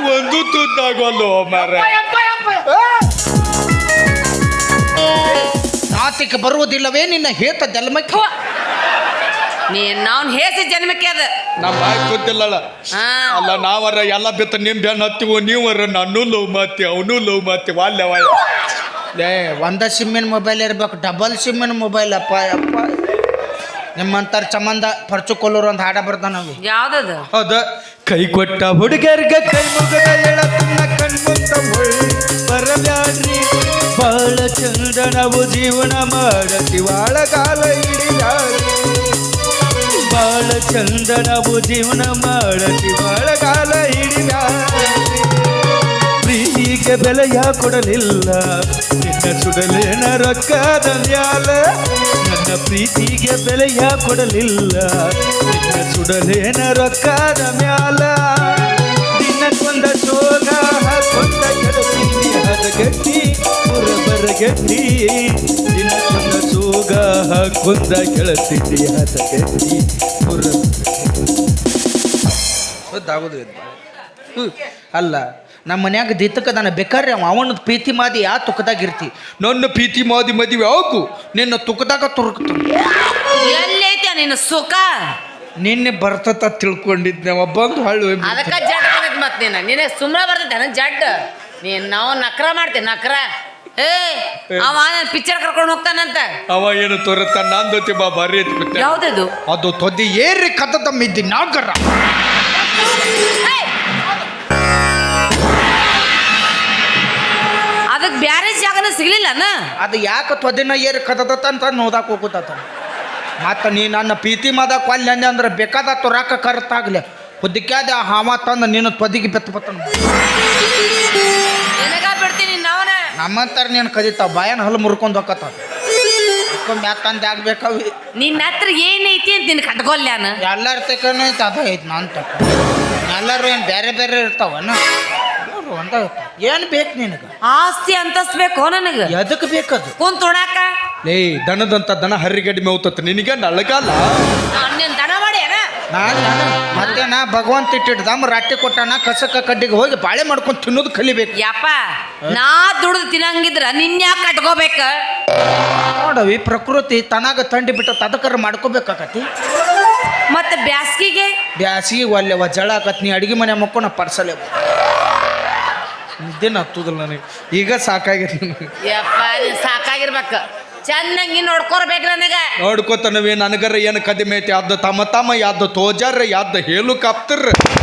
ಒಂದು ತುದ್ದಾಗಲ್ಲ ಮಾರ. ನಾತಿಕ ಬರುವುದಿಲ್ಲವೇ ನಿನ್ನ ಹೇತ ಜನ್ಮಕ್ಕೆ? ನಾವ್ ಹೇಸಿ ಜನ್ಮಕ್ಕೆ ಅದ ನಮ್ಮ ಬಾಯಿ ಗೊತ್ತಿಲ್ಲಲ್ಲ. ಅಲ್ಲ ನಾವರ ಎಲ್ಲ ಬಿತ್ತ ನಿಮ್ ಬೆನ್ನ ಹತ್ತಿವು, ನೀವರ ನಾನು ಲವ್ ಮಾತಿ ಅವನು ಲವ್ ಮಾತಿ ವಾಲ್ಯವ. ಲೇ ಒಂದ ಸಿಮ್ಮಿನ ಮೊಬೈಲ್ ಇರ್ಬೇಕು, ಡಬಲ್ ಸಿಮ್ಮಿನ ಮೊಬೈಲ್. ಅಪ್ಪ ಅಪ್ಪ ನಿಮ್ಮಂತರ ಸಂಬಂಧ ಪರ್ಚುಕೊಲ್ಲೂರು ಒಂದು ಹಾಡ ಬರ್ತಾನ ನಾವು. ಯಾವ್ದದು? ಹೌದ. ಕೈ ಕೊಟ್ಟ ಹುಡುಗರ್ಗ ಕೈ ಮುಗದ ಹೇಳತನ್ನ ಕಣ್ಮುಂದ ಬರಬ್ಯಾಡ್ರಿ. ಬಾಳ ಚಂದ ನಾವು ಜೀವನ ಮಾಡತಿ ಬಾಳಗಾಲ ಹಿಡಿದಾಡ್ರಿ. ಬಾಳ ಚಂದ ನಾವು ಜೀವನ ಮಾಡತಿ ಬಾಳಗಾಲ ಹಿಡಿದಾಡ್ರಿ. ಪ್ರೀತಿಗೆ ಬೆಲೆಯ ಕೊಡಲಿಲ್ಲ ನಿನ್ನ ಸುಡಲೇನ ರೊಕ್ಕದ ಮ್ಯಾಲ. ನನ್ನ ಪ್ರೀತಿಗೆ ಬೆಲೆಯ ಕೊಡಲಿಲ್ಲ ನಿನ್ನ ಸುಡಲೇನ ರೊಕ್ಕದ ಮ್ಯಾಲ. ದಿನಕ್ಕೊಂದ ಸೋಗ ಹಾಕೊಂಡ ಗೆಳತಿ ಹದಗಟ್ಟಿ ಬರಗಟ್ಟಿ. ದಿನಕ್ಕೊಂದ ಸೋಗ ಹಾಕೊಂಡ ಗೆಳತಿ ಹದಗಟ್ಟಿ ಗೊತ್ತಾಗೋದು. ಅಲ್ಲ ನಮ್ಮ ಮನ್ಯಾಗ ದಿತ್ತಕ್ಕ ನಾನು ಬೇಕಾದ್ರೆ ಅವನದು ಪ್ರೀತಿ ಮಾದಿ ಯಾ ತುಕ್ಕದಾಗಿರ್ತಿ. ನನ್ನ ಪ್ರೀತಿ ಮಾದಿ ಮದುವೆ ಆಗು ನಿನ್ನ ತುಕ್ಕದಾಗ ತುರುಕ್ತ. ಎಲ್ಲೈತೆ ನಿನ್ನ ಸುಖ? ನಿನ್ನೆ ಬರ್ತತ ತಿಳ್ಕೊಂಡಿದ್ದೆ ಬಂದು ಹಳ್ಳು. ಅದಕ್ಕ ಜಡ್ ಬಂದೈತಿ ಮತ್ ನಿನಗೆ ಸುಮ್ಮನೆ ಬರ್ತೈತೆ ಜಡ್. ನಾವು ನಕ್ರ ಮಾಡ್ತೇನೆ ನಕ್ರ. ಅವ ಪಿಕ್ಚರ್ ಕರ್ಕೊಂಡು ಹೋಗ್ತಾನಂತ. ಅವ ಏನು ತೋರುತ್ತ ನಂದೋತಿ ಬಾ ಬಾರಿ ಐತಿ. ಯಾವ್ದದು? ಅದು ತೊದ್ದಿ ಏರಿ ಕತ್ತದಮ್ಮಿದ್ದಿ ನಾಗರ. ಅದಕ್ಕೆ ಬ್ಯಾರೆ ಜಾಗನ ಸಿಗ್ಲಿಲ್ಲನ? ಅದು ಯಾಕೆ ತೊದಿನ ಏರಿ ಕತ್ತದತ್ತ ಅಂತ ನೋದಾಕ ಹೋಗುತ್ತ. ಮತ್ತು ನೀ ನನ್ನ ಪ್ರೀತಿ ಮಾದಕ್ಕೆ ಅಲ್ಲಿ ಅಂದೆ ಅಂದ್ರೆ ಬೇಕಾದ ತುರಾಕ ಕರ್ತಾಗ್ಲಿ ಹುದ್ದಕ್ಯಾದ ಹಾವ ತಂದು ನೀನು ತೊದಿಗೆ ಬೆತ್ತ ಬತ್ತನ. ಬಿಡ್ತೀನಿ ನಾವನ ನಮ್ಮಂತಾರ ನೀನು ಕದಿತಾವ ಬಾಯನ್ ಹಲ್ಲು ಮುರ್ಕೊಂಡು ಹೋಗತ್ತಾವ. ಮ್ಯಾತ್ತಂದು ಆಗ್ಬೇಕಾವಿ. ನಿನ್ನ ಹತ್ರ ಏನೈತಿ ಅಂತ ನಿನ್ ಕಟ್ಕೊಲ್ಯಾನ? ಎಲ್ಲರ ತಕನ ಐತೆ ಅದ ಐತಿ ನಾನು ತಕ. ಎಲ್ಲರೂ ಏನು ಬೇರೆ ಬೇರೆ ಇರ್ತಾವನ? ಒಂದ ಏನು ಬೇಕು ನಿನಗೆ? ಆಸ್ತಿ ಅಂತಸ್ತು ಬೇಕು ನನಗೆ. ಎದಕ್ಕೆ ಬೇಕದು? ಕುಂತ್ ಉಣಾಕ? ಲೇ ದನದಂತ ದನ ಹರಿಗಡಿ ಮೇವ್ತತ್ ನಿನಗೆ ನಳಗಾಲ. ನೀನ್ ದನ ಮಾಡಿ ನಾನು ಮತ್ತೇನ ಭಗವಂತ ಇಟ್ಟಿಡ್ದಮ್ಮ ರಾಟಿ ಕೊಟ್ಟಾನ ಕಸಕ ಕಡ್ಡಿಗೆ ಹೋಗಿ ಬಾಳೆ ಮಾಡ್ಕೊಂಡು ತಿನ್ನೋದು ಕಲಿಬೇಕು. ಯಪ್ಪ ನಾ ದುಡ್ದು ತಿನ್ನಂಗಿದ್ರ ನಿನ್ಯಾಕ ಕಟ್ಕೋಬೇಕ? ನೋಡವಿ ಪ್ರಕೃತಿ ತನಾಗ ತಂಡಿ ಬಿಟ್ಟ ತದಕರ ಮಾಡ್ಕೋಬೇಕಾಕತಿ. ಮತ್ತೆ ಬ್ಯಾಸ್ಗಿಗೆ ಬ್ಯಾಸಿಗೆ ಒಲ್ಲೆ ಜಳ ಆಕತ್. ನೀ ಅಡಿಗೆ ಮನೆ ಮಕ್ಕೊಂಡು ಪರ್ಸಲೆ ನಿದ್ದೆನ ಹತ್ತುದಿಲ್ಲ ನನಗೆ. ಈಗ ಸಾಕಾಗಿತ್ತು ನನಗೆ. ಯಪ್ಪ ನೀನ್ ಸಾಕಾಗಿರ್ಬೇಕು. ಚೆನ್ನಾಗಿ ನೋಡ್ಕೊರ್ಬೇಕು ನನಗ. ನೋಡ್ಕೋತನವಿ ನನಗರ ಏನು ಕದಿಮೆ ಐತಿ. ಯಾವ್ದು ತಮ್ಮ ತಮ್ಮ ಯಾವ್ದು ತೋಜಾರ ಯಾವ್ದು ಹೆಲಿಕಾಪ್ಟರ್.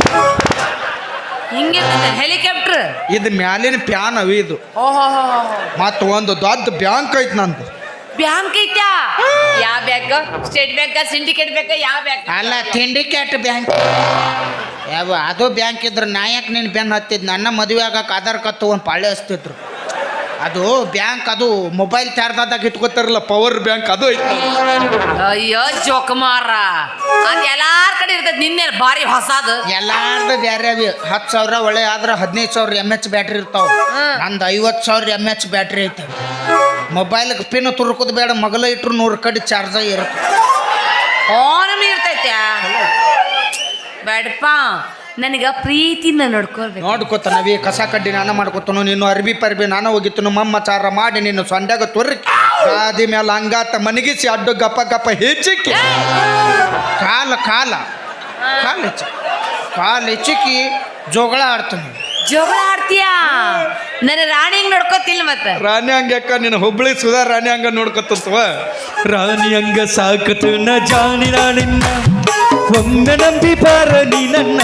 ಹಿಂಗೆ ಹೆಲಿಕಾಪ್ಟರ್ ಇದು ಮ್ಯಾಲಿನ ಪ್ಯಾನ್ ಅವಿ ಇದು. ಓಹೋ ಮತ್ತು ಒಂದು ದೊಡ್ಡ ಬ್ಯಾಂಕ್ ಐತಿ ನಂದು. ಬ್ಯಾಂಕ್ ಐತ್ಯಾ? ಯಾವ bank? State Bank, Syndicate Bank, ಯಾವ ಬ್ಯಾಂಕ್? ಅಲ್ಲ ಸಿಂಡಿಕೇಟ್ ಬ್ಯಾಂಕ್. ಯಾವ ಅದು ಬ್ಯಾಂಕ್ ಇದ್ರೆ ನಾಯಕ್ ನೀನು ಬೆನ್ನು ಹತ್ತಿದ್. ನನ್ನ ಮದುವೆ ಆಗಕ್ಕೆ ಆಧಾರ್ ಕಾರ್ಡ್ ತೊಗೊಂಡು ಪಾಳೆ ಹಚ್ತಿದ್ರು. ಅದು ಬ್ಯಾಂಕ್, ಅದು ಮೊಬೈಲ್ ಚಾರ್ಜಾದಾಗ ಇಟ್ಕೋತಾರಲ್ಲ ಪವರ್ ಬ್ಯಾಂಕ್, ಅದು ಐತಿ. ಅಯ್ಯೋ ಜೋಕುಮಾರ, ಅದು ಎಲ್ಲಾರ ಕಡೆ ಇರ್ತೈತಿ. ನಿನ್ನೆ ಭಾರಿ ಹೊಸದು. ಎಲ್ಲಾರ್ದು ಬೇರೆ ಅವಿ. 10,000 ಒಳ್ಳೆ ಆದ್ರೆ 15,000 mAh ಬ್ಯಾಟ್ರಿ ಇರ್ತಾವ. ನಂದು 50,000 mAh ಬ್ಯಾಟ್ರಿ ಐತೆ. ಮೊಬೈಲ್ಗೆ ಪಿನ್ ತುರ್ಕೋದು ಬೇಡ, ಮಗಲ ಇಟ್ರು 100 ಕಡೆ ಚಾರ್ಜ ಇರುತ್ತೆ. ಫೋನ್ ಇರ್ತೈತ್ಯಾ? ಬೇಡಪ್ಪ, ನನಗ ಪ್ರೀತಿನ ನೋಡ್ಕೊಳ್ಬೇಕು. ನೋಡ್ಕೊತಾನವಿ. ಕಸ ಕಡ್ಡಿ ನಾನು ಮಾಡ್ಕೊತಾನು, ನೀನು ಅರ್ಬಿ ಪರ್ಬಿ ನಾನು ಹೋಗಿತ್ತನು. ಮಮ್ಮಚಾರ ಮಾಡಿ ನೀನು ಸೊಂಡ್ಯಾಗ ತೊರ್ರಿ ಗಾದಿ ಮೇಲೆ ಹಂಗಾತ ಮನಗಿಸಿ ಅಡ್ಡು ಗಪ್ಪ ಗಪ್ಪ ಹೆಚ್ಚಿಕ್ಕಿ ಕಾಲ ಕಾಲ ಕಾಲು ಹೆಚ್ಚಿ ಕಾಲು ಹೆಚ್ಚಿಕ್ಕಿ ಜೋಗಳ ಆಡ್ತಾನೆ. ಜೋಗಳ ಆಡ್ತೀಯಾ? ನನ್ನ ರಾಣಿ ಹಂಗ ನೋಡ್ಕೋತಿಲ್ಲ. ಮತ್ತೆ ರಾಣಿ ಹಂಗ್ಯಾಕ? ನೀನು ಹುಬ್ಬಳ್ಳಿ ಸುಧಾ ರಾಣಿ ಹಂಗ ನೋಡ್ಕೊತವ. ರಾಣಿ ಹಂಗ ಸಾಕತು ನ ಜಾನಿ ರಾಣಿನ್ನ. ಒಮ್ಮೆ ನಂಬಿ ಬಾರ ನೀ ನನ್ನ,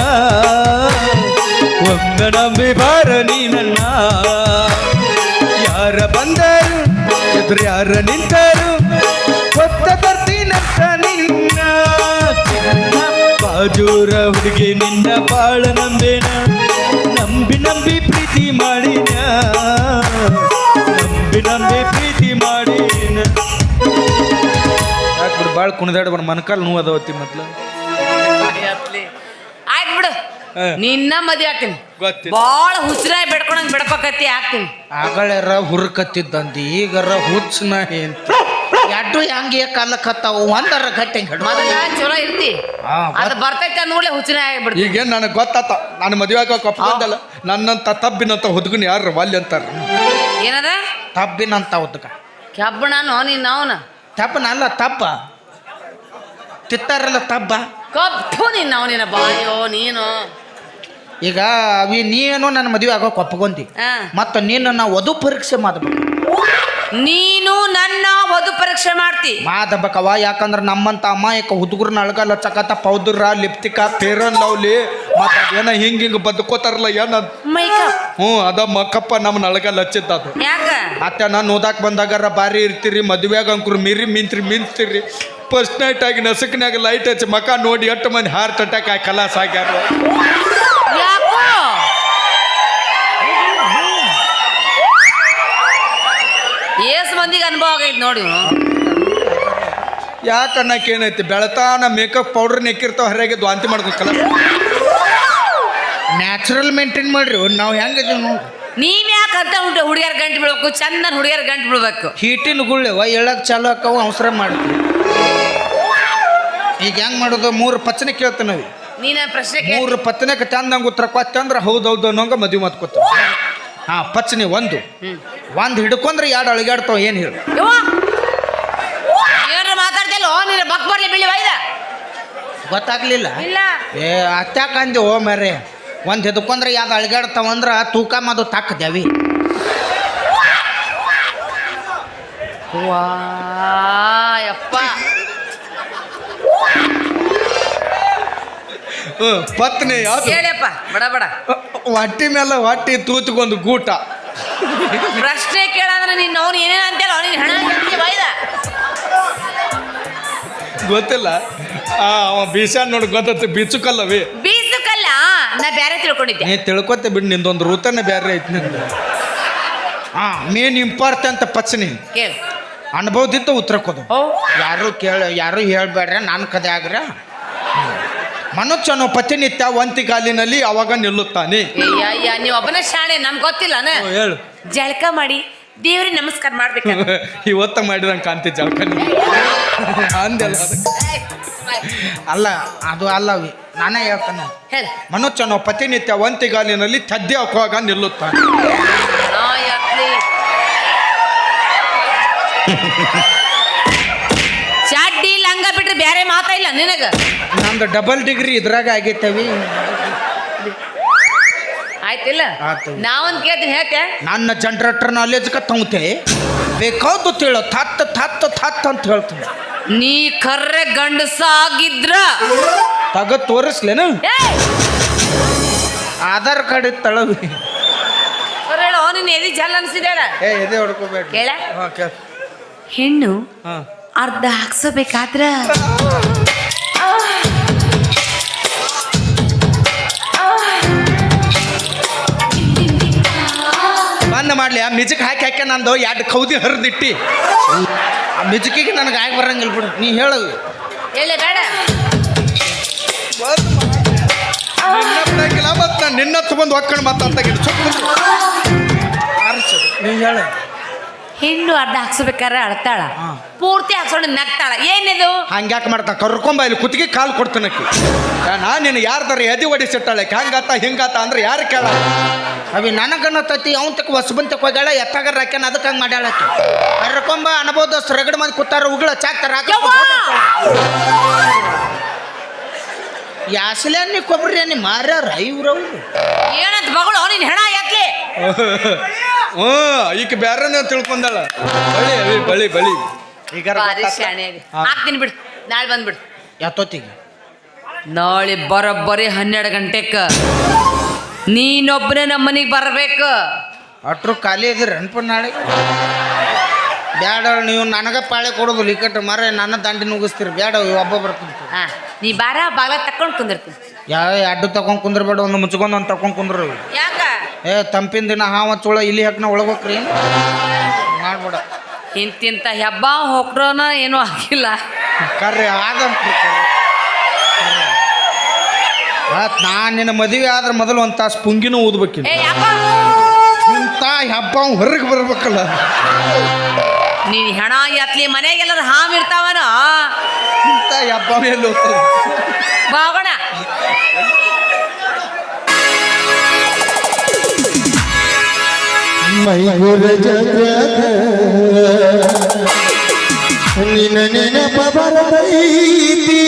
ಒಮ್ಮೆ ನಂಬಿ ಬಾರ ನೀ ನನ್ನ. ಯಾರ ಬಂದರು ಎದುರು ಯಾರ ನಿಂತರು ಗೊತ್ತ ಬರ್ತೀನಂತ ನಿನ್ನ. ಬಾಜೂರ ಹುಡುಗಿ ನಿನ್ನ ಬಾಳ ನಂಬೇನ. ನಂಬಿ ನಂಬಿ ಪ್ರೀತಿ ಮಾಡಿನ, ನಂಬಿ ನಂಬಿ ಪ್ರೀತಿ ಮಾಡಿನ. ಯಾಕೆ ಬಿಡು ಭಾಳ ಕುಣಿದಾಡ ಬರ ಮನಕಾಲ್ ನೋವು ಅದಾವತ್ತಿ ಮೊದ್ಲು. ಆಯ್ತು ಬಿಡು, ನಿನ್ನ ಮದ್ವೆ ಆಗ್ತೀನಿ. ಗೊತ್ತಿಲ್ಲ. ಬಾಳ ಹುಚ್ಚರಾಗಿ ಬೆಡ್ಕೊಳಂಗ್ ಬೆಡ್ಕೊಕತ್ತಿ ಆಗ್ತೀನಿ. ಆಗಳರ ಹುರ್ಕತ್ತಿದ್ದಂದು ಈಗರ ಹುಚ್ಚನ ಅಂತ ಎಡ್ಡು ಹೆಂಗೆ ಕಲ್ಲಕತ್ತಾವು ಒಂದರ ಗಟ್ಟೆ ಮೊದಲ ಚಲೋ ಇರ್ತಿ ಹಾ, ಅದು ಬರ್ತೈತೆ ನೋಡ್ಲೆ ಹುಚ್ಚನ ಆಗ್ಬಿಡ್ತಿ ಈಗೇನು ನನಗೆ ಗೊತ್ತಾತ ನಾನು ಮದುವೆ ಆಗೋಕೆ ಒಪ್ಕೊಂಡಲ್ಲ ನನ್ನಂತ ತಬ್ಬಿನಂತ ಹುಡುಗನ ಯಾರು ವಾಲ್ಯ ಅಂತಾರ ಏನದ ತಬ್ಬಿನಂತ ಉದ್ಕ ಕೆಬ್ಬಣನು ನೀನ್ ಅವನ ತಬ್ಬನಲ್ಲ ತಬ್ಬ ತಿತ್ತಾರಲ್ಲ ತಬ್ಬ ಕಪ್ಪು ನೀನ್ ಅವನಿನ ಬಾಯೋ ನೀನು ಈಗ ನೀನು ನನ್ನ ಮದುವೆ ಆಗೋಕೆ ಒಪ್ಕೊಂಡಿ ಹಾ. ಮತ್ತು ನೀನು ನಾ ವಧು ಪರೀಕ್ಷೆ ಮಾಡಬೇಕು ನೀನು ನನ್ನ ವಧು ಪರೀಕ್ಷೆ ಮಾಡ್ತಿ ಮಾದಬೇಕವ ಯಾಕಂದ್ರೆ ನಮ್ಮಂತ ಅಮಾಯಕ ಹುಡುಗರನ್ನ ಅಳಗಲ್ಲ ಚಕತ ಪೌದ್ರ ಲಿಪ್ತಿಕ ಫೇರನ್ ಲವ್ಲಿ ಮತ್ತು ಅದೇನ ಹಿಂಗೆ ಬದುಕೋತಾರಲ್ಲ ಏನ ಮೇಕಪ್ ಅದ ಮಕ್ಕಪ್ಪ ನಮ್ಮನ್ನ ಅಳಗಲ್ಲ ಹಚ್ಚಿದ್ದ ಅದು ಯಾಕ ಅತ್ತೆ ನಾನು ಓದಾಕ್ ಬಂದಾಗಾರ ಬಾರಿ ಇರ್ತೀರಿ ಮದುವೆಯಾಗ ಅಂಕರು ಮಿಂತ್ರಿ ಫಸ್ಟ್ ನೈಟ್ ಆಗಿ ನಸಕ್ನಾಗ ಲೈಟ್ ಹಚ್ಚಿ ಮಕ ನೋಡಿ 8 ಮಂದಿ ಹಾರ್ಟ್ ಅಟ್ಯಾಕ್ ಆಗಿ ಕಲಾಸ ಆಗ್ಯಾರ ಯಾಕೋ ಏಸ್ ಮಂದಿಗೆ ಅನುಭವ ಆಗೈತೆ ನೋಡಿ ಇವ್ನು. ಯಾಕೆ ಅನ್ನಕ್ಕೆ ಏನೈತಿ ಬೆಳತಾನ ಮೇಕಪ್ ಪೌಡರ್ ನೆಕ್ಕಿರ್ತಾವ ಹರಿಯಾಗಿ ವಾಂತಿ ಮಾಡ್ಕೊ ಕಲಾಸ ನ್ಯಾಚುರಲ್ ಮೇಂಟೈನ್ ಮಾಡ್ರಿ ನಾವು ಹೆಂಗಿದೀವಿ ನೋಡಿ ನೀವ್ ಯಾಕೆ ಅಂತ ಉಂಟು ಹುಡುಗಿಯರ್ ಗಂಟು ಬೀಳ್ಬೇಕು ಚಂದನ್ ಹುಡುಗಿಯರ್ ಗಂಟು ಬೀಳ್ಬೇಕು ಹೀಟಿನ ಗುಳ್ಳೆವ ಎಳಕ್ ಚಾಲು ಹಾಕವು ಅವಸರ ಮಾಡ್ತೀವಿ ಈಗ ಹೆಂಗ್ ಮಾಡೋದು 3 ಪಚ್ಚನೆ ಕೇಳ್ತೀವಿ ನಾವು ನೀನ ಪ್ರಶ್ನೆ ಕೇಳ್ 3 ಪತ್ತನಕ್ಕೆ ಚಂದಂಗೆ ಉತ್ತರ ಕೊತ್ತಂದ್ರೆ ಹೌದೌದು ಅನ್ನೋಂಗ ಮದುವೆ ಮಾತ್ಕೋತ ಹಾಂ ಪಚ್ಚನೆ ಒಂದು ಹಿಡ್ಕೊಂಡ್ರೆ 2 ಅಳಿಗಾಡ್ತಾವ ಏನು ಹೇಳಿ ಏನ್ರ ಮಾತಾಡ್ತಿಲ್ಲ ನೀನು ಬಕ್ ಬರ್ಲಿ ಬಿಳಿ ವೈದ ಗೊತ್ತಾಗ್ಲಿಲ್ಲ ಇಲ್ಲ ಏ ಅತ್ಯಾಕಂದೆ ಓ ಮರೆ ಒಂದು ಹಿಡ್ಕೊಂಡ್ರೆ 2 ಅಳಿಗಾಡ್ತಾವಂದ್ರೆ ತೂಕ ಮಾದು ತಾಕದೇವಿ ವಾ ಯಪ್ಪ ಪತ್ನಿ ಯಾವ್ದು ಹೇಳಪ್ಪ ಬಡ ಬಡ ಹೊಟ್ಟಿ ಮೇಲೆ ಹೊಟ್ಟಿ ತೂತ್ಗೊಂದು ಗೂಟ ಪ್ರಶ್ನೆ ಕೇಳಂದ್ರೆ ನೀನು ಅವ್ನು ಏನೇನು ಅಂತಲ್ಲ ಅವನಿಗೆ ಹಣ ವೈದ ಗೊತ್ತಿಲ್ಲ ಅವ ಬೀಸಾನ್ ನೋಡಿ ಗೊತ್ತೈತಿ ಬಿಚ್ಚುಕಲ್ಲವಿ ಬೀಸಕ್ಕಲ್ಲ ನಾ ಬೇರೆ ತಿಳ್ಕೊಂಡಿದ್ದೆ ನೀ ತಿಳ್ಕೊತೆ ಬಿಡು ನಿಂದೊಂದು ರೂತನೇ ಬೇರೆ ಐತಿ ನಿಂದು ಹಾಂ ಮೇನ್ ಇಂಪಾರ್ಟೆಂಟ್ ಪಚ್ಚನಿ ಕೇಳು ಅನುಭವದಿತ್ತು ಉತ್ತರ ಕೊಡು ಓ ಯಾರು ಹೇಳ್ಬೇಡ್ರೆ ನಾನು ಕದೆ ಆಗ್ರ ಮನುಷ್ಯನು ಪ್ರತಿನಿತ್ಯ ಒಂತಿಗಾಲಿನಲ್ಲಿ ಅವಾಗ ನಿಲ್ಲುತ್ತಾನೆ ಅಯ್ಯ ನೀವು ಒಬ್ಬನ ಶಾಣೆ ನಮ್ಗೆ ಗೊತ್ತಿಲ್ಲನ ಹೇಳು ಜಳಕ ಮಾಡಿ ದೇವ್ರಿಗೆ ನಮಸ್ಕಾರ ಮಾಡ್ಬೇಕು ಇವತ್ತ ಮಾಡಿದಂಗೆ ಕಾಂತಿ ಜಳಕ ಅಂದೆಲ್ಲ ಅಲ್ಲ ಅದು ಅಲ್ಲವಿ ನಾನೇ ಹೇಳ್ತಾನೆ ಹೇಳ ಮನುಷ್ಯನು ಪ್ರತಿನಿತ್ಯ ಒಂತಿಗಾಲಿನಲ್ಲಿ ತದ್ದೆ ಹಾಕುವಾಗ ನಿಲ್ಲುತ್ತಾನೆ ಚಾಡ್ಡಿ ಲಂಗ ಬಿಟ್ರೆ ಬೇರೆ ಮಾತಾ ಇಲ್ಲ ನಿನಗ ನಮ್ದು ಡಬಲ್ ಡಿಗ್ರಿ ಇದ್ರಾಗ ಆಗೈತವಿ ಆಯ್ತಿಲ್ಲ ಆತು. ನಾವೊಂದು ಕೇಳ್ತೀನಿ ಹೇಳ್ತೆ ನನ್ನ ಜನರೇಟರ್ ನಾಲೆಜ್ ತಗೊಂತೆ ಬೇಕಾದ್ದು ತಿಳೋ ಥತ್ ಅಂತ ಹೇಳ್ತೀನಿ ನೀ ಕರ್ರೆ ಗಂಡಸಾಗಿದ್ರ ತಗದ್ ತೋರಿಸ್ಲೇನು ಏಯ್! ಆಧಾರ್ ಕಾರ್ಡ್ ತಳವಿ ಅವ್ರ್ ಹೇಳು ನೀನು ಎದಿ ಜಲ್ ಅನ್ಸಿದಾಳ ಎದೆ ಹೊಡ್ಕೋಬೇಡ ಕೇಳ ಕೇಳ ಹೆಣ್ಣು ಹಾಂ ಅರ್ಧ ಹಾಕ್ಸಬೇಕಾದ್ರ ಬಂದ್ ಮಾಡ್ಲಿ ಆ ಮಿಜಕ್ ಹಾಕಿ ನಂದು 2 ಕೌದಿ ಹರಿದಿಟ್ಟಿ ಆ ಮಿಜಕಿಗೆ ನನಗೆ ಆಗಿ ಬರಂಗಿಲ್ಲ ಬಿಡು ನೀ ಹೇಳು ಹೇಳ ಬೇಡ ನಿನ್ನ ಮತ್ತು ನಾನು ನಿನ್ನ ತಗೊಂಡು ಒಕ್ಕಣ್ ಮಾತಾಡ್ತಾಗಿದ್ದು ನೀ ಹೇಳು ಹೆಣ್ಣು ಅರ್ಧ ಹಾಕ್ಸ್ಬೇಕಾರ ಅಳ್ತಾಳ ಹಾ. ಪೂರ್ತಿ ಹಾಕ್ಸ್ಕೊಂಡು ನಗ್ತಾಳ ಏನಿದು ಹಂಗ್ಯಾಕೆ ಮಾಡ್ತಾ ಕರ್ಕೊಂಬ ಇಲ್ಲಿ ಕುತ್ತಿಗೆ ಕಾಲು ಕೊಡ್ತಾನಕ್ಕಿ ನಾನು ನಿನ್ನ ಯಾರ್ದಾರ ಎದಿ ಹೊಡಿಸಿಟ್ಟಾಳೆ ಹಂಗಾತ ಹಿಂಗಾತ ಅಂದ್ರೆ ಯಾರು ಕೇಳ ಅವಿ ನನಗನ್ನ ತತ್ತಿ ಅವನ್ ತಕ್ಕ ಹೊಸಬಂತಕ್ಕೆ ಹೋಗ್ಯಾಳ ಎತ್ತಾಗ ಹಾಕ್ಯಾನ ಅದಕ್ಕೆ ಹಂಗೆ ಮಾಡ್ಯಾಳಕ್ಕೆ ಕರ್ಕೊಂಬ ಅನ್ಬೋದು ರಗಡ ಮಂದಿ ಕೂತಾರ ಉಗಳ ಚಾಕ್ತಾರ ಯಾಸಲೆ ಕೊಬ್ರಿ ನೀ ಮಾರ್ಯಾರ ಇವ್ರವ್ರು ಏನಂತ ಮಗಳು ನೀನ್ ಹೆಣ ಯಾಕೆ ಹ್ಞೂ ಈಗ ಬೇರೆ ತಿಳ್ಕೊಂಡಾಳ ಬಳಿ ಈಗ ಭಾರಿ ಶಾಣೆ ಹಾಕ್ತೀನಿ ಬಿಡು ನಾಳೆ ಬಂದ್ಬಿಡು ಎತ್ತೊತ್ತಿಗೆ ನಾಳೆ ಬರೋಬ್ಬರಿ 12 ಗಂಟೆಕ ನೀನೊಬ್ಬನೇ ನಮ್ಮ ಮನೆಗೆ ಬರಬೇಕು ಅಟ್ರು ಖಾಲಿ ಇದ್ದೀರಿ ಅನ್ಪ ನಾಳೆ ಬ್ಯಾಡ ನೀವು ನನಗೆ ಪಾಳೆ ಕೊಡೋದು ಲಿಕಟ್ ಮರ ನನ್ನ ದಂಡಿ ನುಗ್ಗಿಸ್ತೀರಿ ಬ್ಯಾಡ ಒಬ್ಬ ಬರ್ತೀನಿ ಹಾ ನೀ ಬಾರ ಬಾಗ್ಲ ತಕೊಂಡು ಕುಂದಿರ್ತೀನಿ ಯಾವ ಅಡ್ಡು ತಗೊಂಡ್ ಕುಂದ್ರಬೇಡ ಒಂದು ಮುಚ್ಕೊಂಡು ಒಂದು ತಗೊಂಡ್ ಕುಂದ್ರ ಯಾಕ ಏ ತಂಪಿನ ದಿನ ಹಾವ ಚೋಳ ಇಲ್ಲಿ ಹಾಕಿ ನಾ ಒಳಗೋಕ್ರಿ ಮಾಡ್ಬೇಡ ಇಂತಿಂತ ಹೆಬ್ಬ ಹೊಕ್ರೋನ ಏನೂ ಆಗಿಲ್ಲ ಕರ್ರಿ ಆಗಂತ್ರಿ ನಾನು ನಿನ್ನ ಮದುವೆ ಆದ್ರೆ ಮೊದಲು ಒಂದು ತಾಸು ಪುಂಗಿನೂ ಊದ್ಬೇಕಿಲ್ಲ ಏ ಯಾಕ ಇಂಥ ಹಬ್ಬ ಹೊರಗೆ ಬರ್ಬೇಕಲ್ಲ ನೀನ್ ಹೆಣ ಎತ್ಲಿ ಮನೆಗೆಲ್ಲರ ಹಾಮ್ ಇರ್ತಾವನ ಇಂಥ ಹಬ್ಬ ಮೇಲೆ ಹೋಗ್ತದೆ ಬಾಗೋಣ ಮೈಗುರ ಜಗದ ನಿನ್ನ ನೆನಪ ಬರದೈತಿ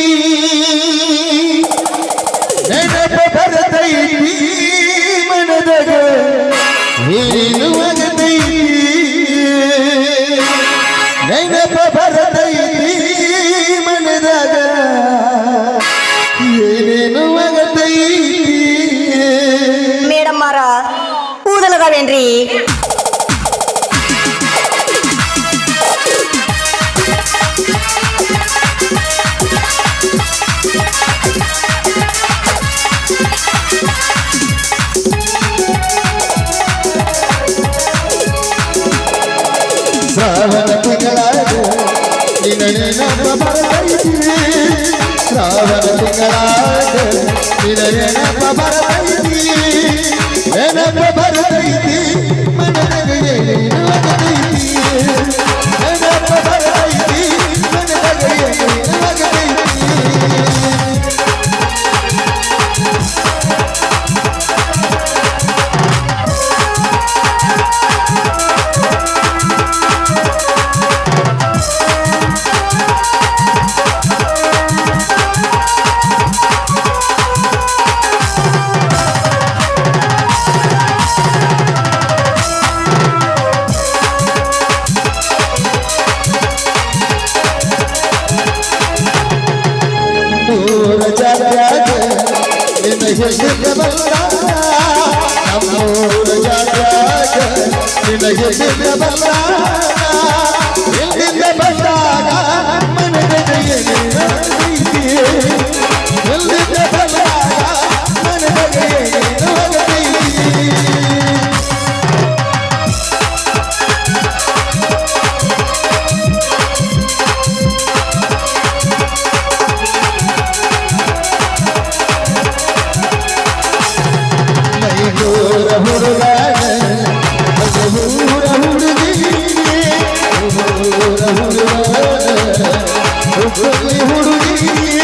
ನೆನಪ ಬರದೈತಿ ಮನದಾಗ ನೀನು ಒಗದೈತಿ ನೆನಪ ಬರದೈತಿ ಮನದಾಗ ಏನೇನು ಒಗದೈತಿ ಮೇಡಮ್ ಮಾರ ಕೂದಲಗವೇನ್ರಿ ಶ್ರಾವಣ ತಿಂಗಳಾಗ ನಿನ್ನ ನೆನಪ ಬರದೈತಿ ಶ್ರಾವಣ ತಿಂಗಳಾಗ ನಿನ್ನ ನೆನಪ ಬರದೈತಿ ನೆನಪ ಬರದೈತಿ ಮನದಾಗ ಏನೇನು ಆಗದೈತಿ ನೆನಪ ಬರದೈತಿ ಮನದಾಗ ಏನೇನು ಆಗದೈತಿ ನಮ್ಮೂರ ಜಾತ್ಯಾಗ ನಿನ್ನ ಹೆಸರು ಬಂದ ನಮ್ಮೂರ ಜಾತ್ಯಾಗ ನಿನ್ನ ಹೆಸರು ಬಂದ ಎಲ್ಲಿಂದ ಬಂದಾಗ ಮನದಾಗ ಏನೇನು ಆಗದೈತಿ ಎಲ್ಲಿಂದ ಬಂದಾಗ ಮನದಾಗ ಏನೇನು ಆಗದೈತಿ ಮೈದೂರ ಹುಡುಗಾನ ಮೈದೂರ ಹುಡುಗಿ ಹುಡುಗಾನ ಹುಡುಗಿ